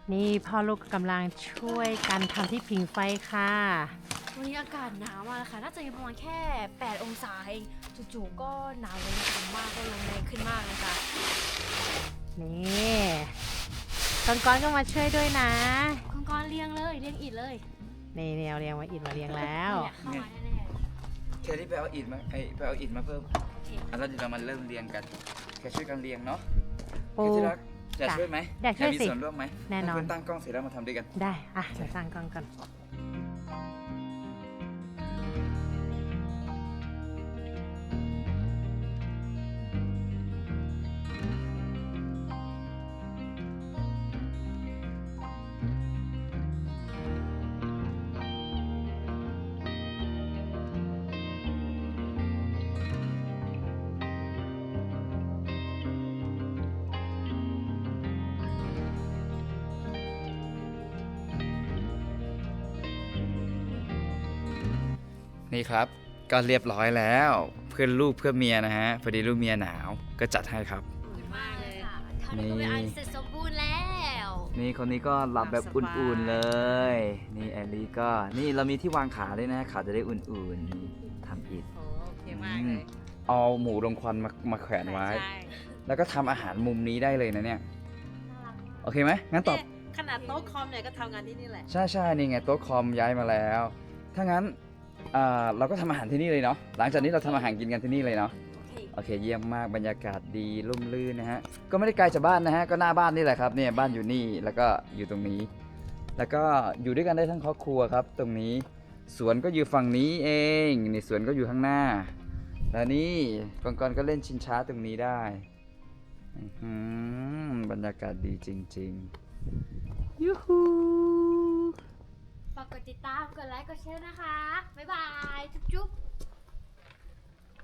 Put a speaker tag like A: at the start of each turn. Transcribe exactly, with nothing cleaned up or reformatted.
A: นี่พ่อลูกกำลังช่วยกันทำที่ผิงไฟค่ะ
B: วันนี้อากาศหนาวมากเลยค่ะน่าจะอยู่ประมาณแค่แปดองศาเองจู่ๆก็หนาวลงสูงมากก็ลมแรงขึ้นมากเลยค่ะ
A: นี่ก้อนๆก็มาช่วยด้วยนะ
B: คุณกรณ์เรียงเลยเรียงอิฐเลย
A: นี่เรียงเรียงมาอิดมาเรียงแล้ว
B: เนี่ยเข้ามาแน่
C: แค่ที่ไปเอาอิฐมาไอไปเอาอิฐมาเพิ่ม
B: ๆโอเค
C: อ่ะแล้วเดี๋ยวเรามาเริ่มเรียงกันแค่ช่วยกันเรียงเนาะ
A: ปู
C: แค่ที่รักจะช่วยไหม
A: อยากช่วย
C: มี
A: สิ
C: ส่วนร่วมไหม
A: แน่นอน
C: ให้คุณตั้งกล้องเสร็จแล้วมาทำด้วยกัน
A: ได้อ่ะเดี๋ยวตั้งกล้องก่อน
C: นี่ครับก็เรียบร้อยแล้วเพื่อนลูกเพื่อเมียนะฮะพอดีลูกเมียหนาวก็จัดให้ครับ
B: ขอบคุณมากเลยค่ะเท่านี้ก็เป็นอันเสร็จสมบูรณ์แล้ว
C: นี่คนนี้ก็หลับแบบอุ่นๆเลย นี่แอลลี่ก็นี่เรามีที่วางขาด้วยนะขาจะได้อุ่นๆนี่ทำอิฐ
A: โอเคมากเลย
C: เอาหมูลงควันมามาแขวนไว้
A: ใช่
C: แล้วก็ทำอาหารมุมนี้ได้เลยนะเนี่ยโอเคไหมงั้นตอบ
A: ขนาดโต๊ะคอมเนี่ยก็ทำงานที่นี่แหละ
C: ใช่ใช่นี่ไงโต๊ะคอมย้ายมาแล้ว ถ้างั้นอ่าเราก็ทำอาหารที่นี่เลยเนาะหลังจากนี้เราทำอาหารกินกันที่นี่เลยเนาะ
B: โอเค
C: โอเคเยี่ยมมากบรรยากาศดีร่มรื่นนะฮะก็ไม่ได้ไกลจากบ้านนะฮะก็หน้าบ้านนี่แหละครับเนี่ยบ้านอยู่นี่แล้วก็อยู่ตรงนี้ แล้วก็อยู่ด้วยกันได้ทั้งครอบครัวครับ ตรงนี้สวนก็อยู่ฝั่งนี้เองนี่สวนก็อยู่ข้างหน้า แล้วนี่กองกรก็เล่นชิงช้าตรงนี้ได้อื้อหือบรรยากาศดีจริงๆยูฮู
B: ฝากกดติดตามกดไลค์กดแชร์นะคะบ๊ายบาย